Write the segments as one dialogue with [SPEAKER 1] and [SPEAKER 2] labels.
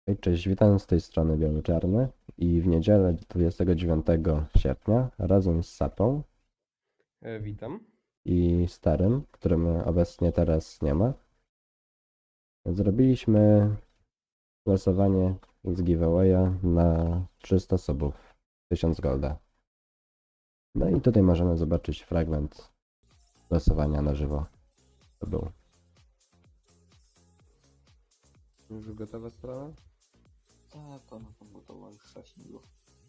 [SPEAKER 1] Hej, cześć, witam z tej strony Biały-Czarny i w niedzielę 29 sierpnia razem z Sapą
[SPEAKER 2] Witam.
[SPEAKER 1] i Starym, którym obecnie teraz nie ma, zrobiliśmy losowanie z giveawaya na 300 subów, 1000 golda. No i tutaj możemy zobaczyć fragment losowania na żywo. To był. Już gotowa sprawa?
[SPEAKER 3] Tak, ona tam gotowa już wcześniej było.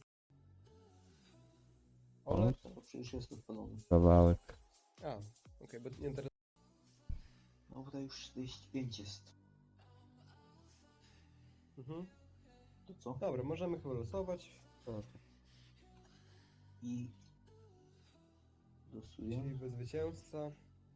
[SPEAKER 2] Ole.
[SPEAKER 3] To przecież jest odpalony.
[SPEAKER 1] Kawałek.
[SPEAKER 2] A, okej, bo nie teraz.
[SPEAKER 3] No tutaj już 45 jest.
[SPEAKER 2] Mhm.
[SPEAKER 3] To co?
[SPEAKER 2] Dobra, możemy chyba losować.
[SPEAKER 3] I losuję.
[SPEAKER 2] Czyli bez zwycięzca.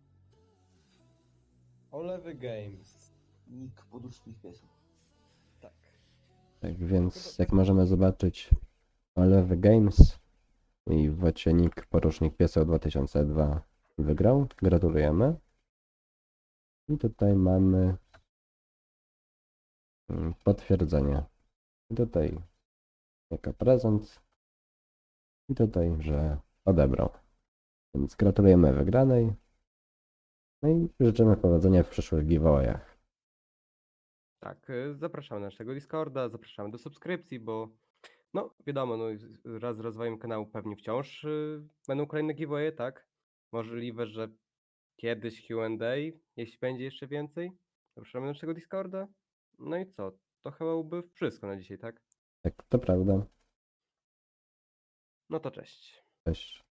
[SPEAKER 2] Olewy Games.
[SPEAKER 3] Nick podróżnych piesów.
[SPEAKER 2] Tak.
[SPEAKER 1] Tak więc, jak możemy zobaczyć, Olewy Games i Wocienik Porusznik Pieseł 2002 wygrał. Gratulujemy. I tutaj mamy potwierdzenie. I tutaj jako prezent. I tutaj, że odebrał. Więc gratulujemy wygranej. No i życzymy powodzenia w przyszłych giveawayach.
[SPEAKER 2] Tak, zapraszamy na naszego Discorda, zapraszamy do subskrypcji, bo no wiadomo, no wraz z rozwojem kanału pewnie wciąż będą kolejne giveawaye, tak? Możliwe, że kiedyś Q&A, jeśli będzie jeszcze więcej. Zapraszamy na naszego Discorda. No i co? To chyba byłoby wszystko na dzisiaj, tak?
[SPEAKER 1] Tak, to prawda.
[SPEAKER 2] No to cześć.
[SPEAKER 1] Cześć.